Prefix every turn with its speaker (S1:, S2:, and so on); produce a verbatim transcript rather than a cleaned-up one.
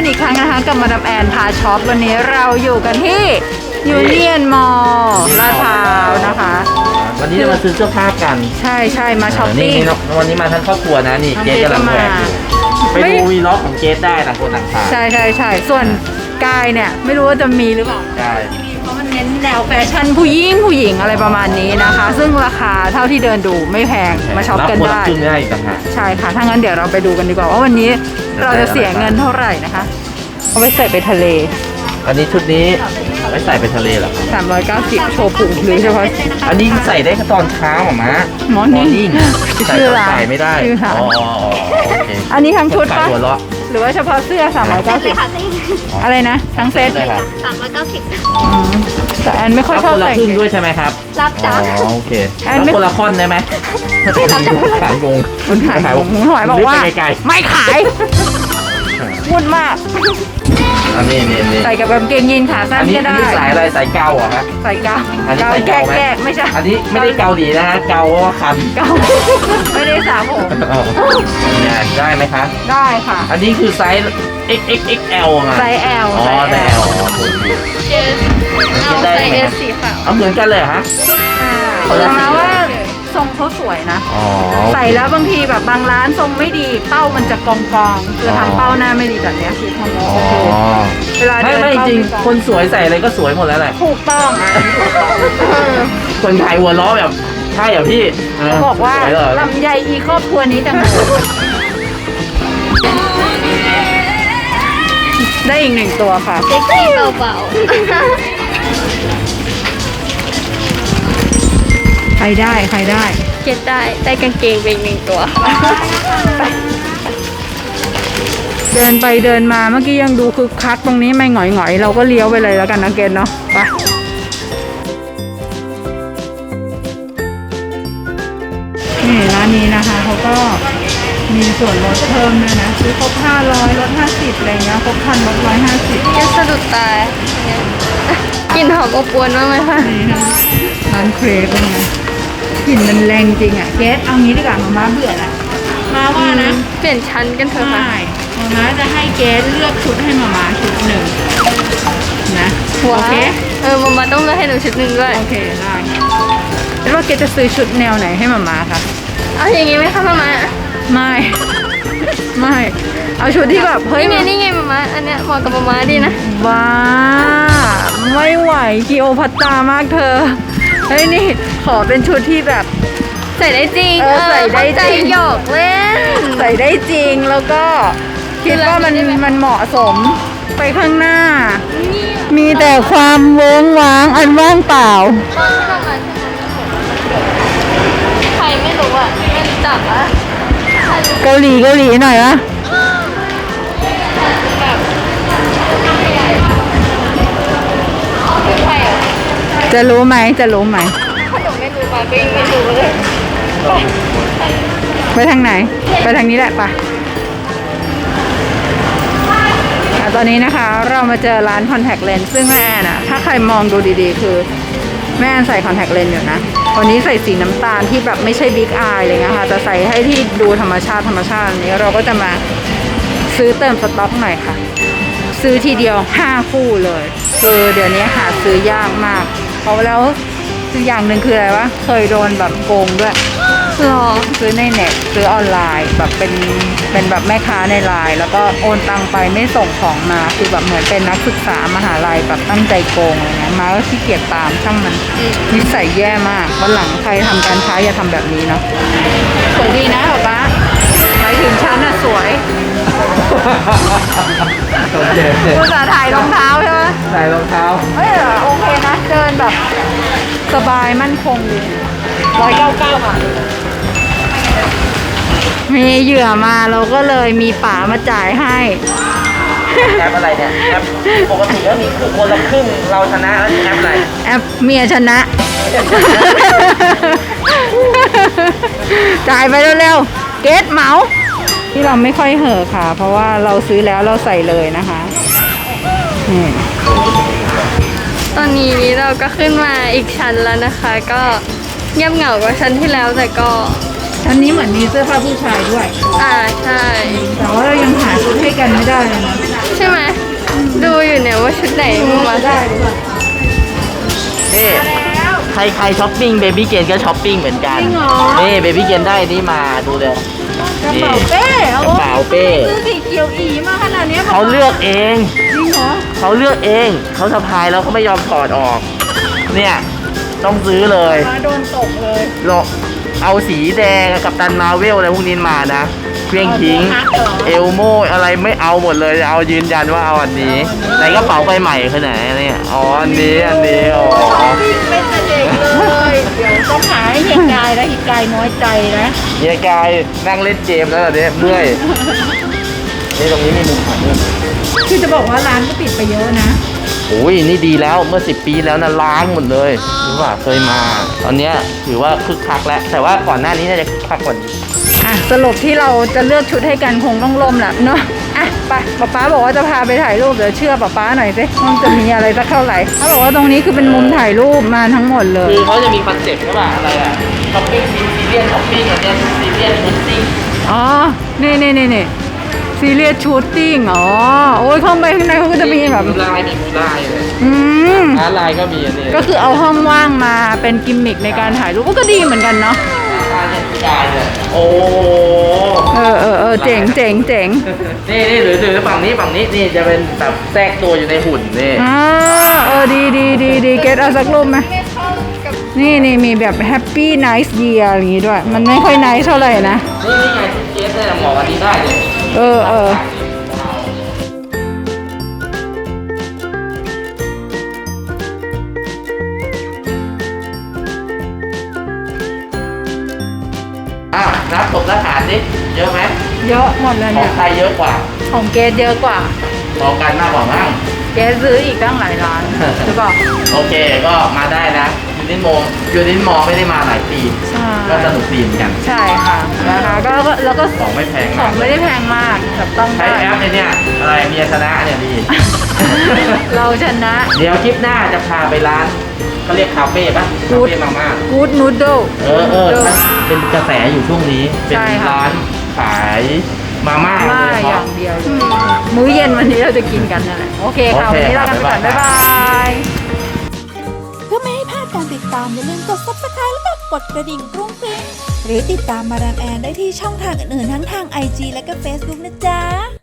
S1: อีกครั้งนะคะกับมาดามแอนพาช็อปวันนี้เราอยู่กันที่ยูเนียนมอลล์ลาดพร้าวนะคะ
S2: วันนี้จะมาซื้อเสื้อผ้ากัน
S1: ใช่ใช่มาช้อปปิ้ง
S2: วันนี้มาทั้งครอบครัวนะนี่เกสกำลังแหวกอยู่ไปดูวีล็อกของเกสได้ต่างคนต่างพา
S1: ใช่ใช่ใช่ส่วนกายเนี่ยไม่รู้ว่าจะมีหรือเปล่า
S2: ใช่
S1: เพราะมันเน้นแนวแฟชั่นผู้หญิงผู้หญิงอะไรประมาณนี้นะคะ ซึ่งราคาเท่าที่เดินดูไม่แพงมาช็อปกันได้ใช่ค่ะถ้างั้นเดี๋ยวเราไปดูกันดีกว่าว่าวันนี้เราจะเสียเงินเท่าไหร่นะคะเอาไปใส่ไปทะเล
S2: อันนี้ชุดนี้ไว้ใส่ไปทะเลเหรอ
S1: สามร้อยเก้าสิบโชว์พุงหรือเฉพาะ
S2: อันนี้ใส่ได้แค่ตอนเช้าหรอมะ
S1: มอร์นิ่ง
S2: ชื่อร้านใส่ไม่ได้อ๋อโอเค
S1: อันนี้ทั้งชุดปะหรือว่าเฉพาะเสื้อสามร้อยเก้าสิบอะไรนะทั้งเซ็ต
S3: เลยค่ะสามร้อยเก้าสิบ
S1: แต่แอนไม่ค่อยชอบใส่
S2: ครึ่งด้วยใช่ไหมครับ
S3: รับจ้า
S2: อ๋อโอเคแล้วคนละค่อนได้ไหมขายงง
S1: คนขายงงหอยบอกว่าไม่ขายพูดมาก
S2: อันนี้นี่นี่
S1: ใส่กับกางเกงยีนขาสั้นก็ได้
S2: อันนี้ใส่อะไรใส่เกาเหรอฮะ
S1: ใส่เกา
S2: อันนี้ใส่
S1: แก้แก้ไม่ใช่
S2: อันนี้ไม่ได้เกาหลีนะฮะเกาว่าคัน
S1: เกาไม่ได้สามผม
S2: เนี่ยได้ไหมคะ
S1: ได้ค่ะ
S2: อันนี้คือไซส์ เอ็กซ์ เอ็กซ์ เอ็กซ์ แอล มา
S1: ไซส์ L
S2: อ๋อไซส์ L
S3: เอสเอาไซส์ S สีขาว
S2: เอาเหมือนกันเลยฮะ
S1: แต่มาว่าทรงเขาสวยนะใส่แล้วบางทีแบบบางร้านทรงไม่ดีเป้ามันจะกองกองคือทำเป้าหน้าไม่ดีแบบนี้คือทำแล้วโอเค
S2: เวลาไม่ไม่จริงคนสวยใส่อะไรก็สวยหมดแล้วแหละ
S1: ถูกต้อง
S2: คนขายหัวล้อแบบใช่เหรอพี่
S1: บอกว่าลำไยอีครอบครัวนี้จังได้อีกหนึ่งตัวค่ะ
S3: เซ็กซี่เบา
S1: ๆใครได้ใครได้
S3: เก็ตได้ได้กางเกงไปอีกหนึ่งตัว
S1: เดินไปเดินมาเมื่อกี้ยังดูคึกคักตรงนี้ไม่หงอยหงอยเราก็เลี้ยวไปเลยแล้วกันนะเกตเนาะไปนี่ร้านนี้นะคะเขาก็มีส่วนลดเพิ่มด้วยนะซื้อครบห้าร้อยลดห้าสิบอะไรเงี้ยครบพันลดร้อยห้าสิบ
S3: เกสสะดุดตากินหอมอบอวนมากไหมคะ
S1: ร้านเครปเป็นไงกลิ่นมันแรงจริงอ่ะเกสเอางี้ดีกว่ามาม่าเบื่อละมาว่านะ
S3: เปลี่ยนชั้นกันเถอะค่ะ
S1: มาม่าจะให้เกสเลือกชุดให้มาม่าชุดหนึ่งนะโอเค
S3: เออมาม่าต้องเลือกให้หนูชุดหนึ่งด้วย
S1: โอเคได้แล้วว่าเกสจะซื้อชุดแนวไหนให้มาม่าคะ
S3: เอาอย่างงี้ไหมคะมาม่า
S1: ไม่ไม่เอาชุดที่แบบ
S3: เฮ้ยนี่ไงนี่ไงมาม่าอันเนี้ยเหมาะกับมาม่าดีนะ
S1: ว้าไม่ไหวกิโอพัตตามากเธอเฮ้ยนี่ขอเป็นชุดที่แบบ
S3: ใส่ได้จริง
S1: เออใส่ได้จริง
S3: หยอกเล่น
S1: ใส่ได้จริงแล้วก็คิดว่ามันมันเหมาะสมไปข้างหน้ามีแต่ความเวิ้งว้างอันว่างเปล่า
S3: ใครไม่รู้อ่ะไม่รู้จักอ่ะ
S1: เกาหลีเกาหลีหน่อยวะจะรู้ไหมจะรู้ไหม
S3: ถ้าหนูไม่รู้มาก็ยังไม่รู้เลย
S1: ไปทางไหนไปทางนี้แหละปะตอนนี้นะคะเรามาเจอร้านคอนแทคเลนส์ซึ่งแม่แอนอะถ้าใครมองดูดีๆคือแม่แอนใส่คอนแทคเลนส์อยู่นะวันนี้ใส่สีน้ำตาลที่แบบไม่ใช่บิ๊กอายเลยนะคะจะใส่ให้ที่ดูธรรมชาติธรรมชาติอันนี้เราก็จะมาซื้อเติมสต็อกหน่อยค่ะซื้อทีเดียวห้าคู่เลยคือเดี๋ยวนี้หาซื้อยากมากเพราะแล้วคืออย่างหนึ่งคืออะไรวะเคยโดนแบบโกงด้วย
S3: หรอ
S1: ซื้อในเน็ตซื้อออนไลน์แบบเป็นเป็นแบบแม่ค้าในไลน์แล้วก็โอนตังไปไม่ส่งของมาคือแบบเหมือนเป็นนักศึกษามหาลัยแบบตั้งใจโกงอะไรเงี้ยมาก็ขี้เกียจตามช่างมันนิสัยแย่มากวันหลังใครทำการค้าอย่าทำแบบนี้เนาะสวยดีนะป๊าป๊าหมายถึงฉันอะสวยภาษาถ่ายรองเท้าใช่ไหม
S2: ถ่ายรองเท้า
S1: เฮ้ยโอเคนะเดินแบบสบายมั่นคงดีร้อยเก้าเก้าบาทมีเหยื่อมาเราก็เลยมีป๋ามาจ่ายให้
S2: แอปอะไรเนี่ยแอปปกติแล้วมีคือคนละครึ่งเราชนะแล้วแอปอะไร
S1: แอปเมียชนะจ่ายไปเร็วๆเกตเหมาที่เราไม่ค่อยเห่อค่ะเพราะว่าเราซื้อแล้วเราใส่เลยนะคะ
S3: ตอนนี้เราก็ขึ้นมาอีกชั้นแล้วนะคะก็เงียบเหงากว่าชั้นที่แล้วแต่ก็
S1: ชั้นนี้เหมือนมีเสื้อผ้าผู้ชายด้วย
S3: อ่าใช่
S1: แต่ว่าเรายังหาชุดให้กันไม่ได้เลยนะ
S3: ใช่ไหมดูอยู่เนี่ยว่าชุดไหนมา
S1: ได้ดีกว่า
S2: นี่ใครใครช้อปปิ้งเบบี้เกนก็ช้อปปิ้งเหมือนกัน
S1: จริงเหรอ
S2: นี่เบบี้เกนได้นี่มาดูเลย
S1: กระเป๋าเป้
S2: กระเป๋าเป้
S1: ซื้อสีเขียวอีมาขนาดนี้
S2: เขาเลือกเอง
S1: จริงเหรอ
S2: เขาเลือกเองเขาสะพายแล้วเขาไม่ยอมถอดออก เนี่ยต้องซื้อเลย
S1: มาโดนตกเลย
S2: เราเอาสีแดงกับตันมาเวลอะไรพวกนี้มานะเครื่องทิ้ง เอลโมอะไรไม่เอาหมดเลยเอายืนยันว่าเอาอันนี้ในกระเป๋าใบใหม่คือไหนเนี่ยอ๋ออันนี้อันนี้อ๋อ
S1: เป็นแต่เด็กเลยเดี๋ยวต้องหาให้เฮียกายแล้วเฮียกายน้อยใจนะ
S2: เฮียกายนั่งเล่นเกมแล้วเหรอเนี่ยเมื่อยนี่ตรงนี้มีมุมถ่ายรูป
S1: คือจะบอกว่าร้านก็ปิดไปเยอะนะ
S2: โอ้ยนี่ดีแล้วเมื่อสิบปีแล้วนะล้างหมดเลยรู้ป่ะเคยมา ตอนเนี้ยถือว่าคึกคักแล้ว แต่ว่าก่อนหน้านี้น่าจะคึกคักกว่านี้
S1: อ่ะสรุปที่เราจะเลือกชุดให้กันคงต้องล่มแหละเนาะอ่ะไปป๊าป๊าบอกว่าจะพาไปถ่ายรูปเดี๋ยวเชื่อป๊าป๊าหน่อยสิว่ามันจะมีอะไรสักเท่าไหร่เขาบอกว่าตรงนี้คือเป็นมุมถ่ายรูปมาทั้งหมดเลย
S2: คือเขาจะมีคอนเซ็ปต์ใช่ป่ะอะไรอ่ะช้อปปิ้งซีเรียสช้อปปิ้งอันเนี้ยซีเรียสชุดติ้ง
S1: อ๋อ นี่นี่นี่นี่ซีเรียสชูตติ้ง อ๋อ โอ้ยเข้าไปข้างในเขาก็จะมีแบบ
S2: มูลายมีมูลายเลย
S1: อืม
S2: ร้านลายก็มีอันนี้
S1: ก็คือเอาห้องว่างมาเป็นกิมมิคในการถ่ายรูปก็ดีเหมือนกันเนาะ
S2: ร้านเนี่ยผู้ชายเลยโอ้
S1: เออเออเออเจ๋งเจ๋งเจ๋ง
S2: นี่นี่หรือหรือฝั่งนี้ฝั่งนี้นี่จะเป็นแบบแทรกตัวอยู่ในหุ่นนี่
S1: อ่าเออดีดีดีดีเกตเอาสักรูปไหม
S3: ไม่เข้ากับ
S1: นี่นี่มีแบบแฮปปี้ไนท์เยียร์อย่างงี้ด้วย มันไม่ค่อยไนท์เท่าไหร่นะ
S2: นี่นี่ไงที่เกสเนี่ยเหมาะกับนี้ได้เลย
S1: เออเออ
S2: อ่ะนับผมทหารดิเยอะไหม
S1: เยอะหมดเลย
S2: ขอ
S1: เนี่
S2: ง
S1: ย
S2: ใครเยอะกว่า
S1: ของเกตเยอะกว่า
S2: ของกันมากกว่ามั้ง
S1: เกตซื้ออีกตั้งหลายร้านหรือเปล่า
S2: โอเคก็มาได้นะยูนินโมยูนินมอไม่ได้มาหลายปี
S1: ใช่
S2: ก็สนุกดีเหมือนกัน
S1: ใช่ค่ะนะคะก็ก็แล้วก็
S2: ของไม่แพง
S1: ขอ
S2: มาง ก
S1: ไม่ได้แพงมากแบบต้อง
S2: ใช้
S1: ได้
S2: แอปเนี่ยอะไรเมียชนะเนี่ยดี
S1: เราชนะ
S2: เดี๋ยวคลิปหน้าจะพาไปร้านเขาเรียกคาเฟ่ปะคาเฟ่มาม่า
S1: กู๊ดนูดเดิล
S2: เออเออเป็นกระแสอยู่ช่วงนี้ เป็น
S1: ใช่ค่ะ
S2: ร้านขายมาม่า
S1: มา
S2: โดยเฉ
S1: อย่า
S2: พาะ
S1: งเดียวเลยมื้อเย็นวันนี้เราจะกินกันนั่นแหละโอเคค่ะ
S2: โอเค
S1: วันนี้เรากันไปก่อน
S2: บ๊า
S1: บ๊าย ย
S2: บา
S1: บาย ย
S4: เพื่อไม่ให้พลาดการติดตามอย่าลืมกด ซับสไครบ์ แล้วก็กดกระดิ่งกรุ้งกริ้งหรือติดตามมาดามแอนได้ที่ช่องทางอื่นๆทั้งทาง ไอ จี และก็ เฟซบุ๊ก นะจ๊ะ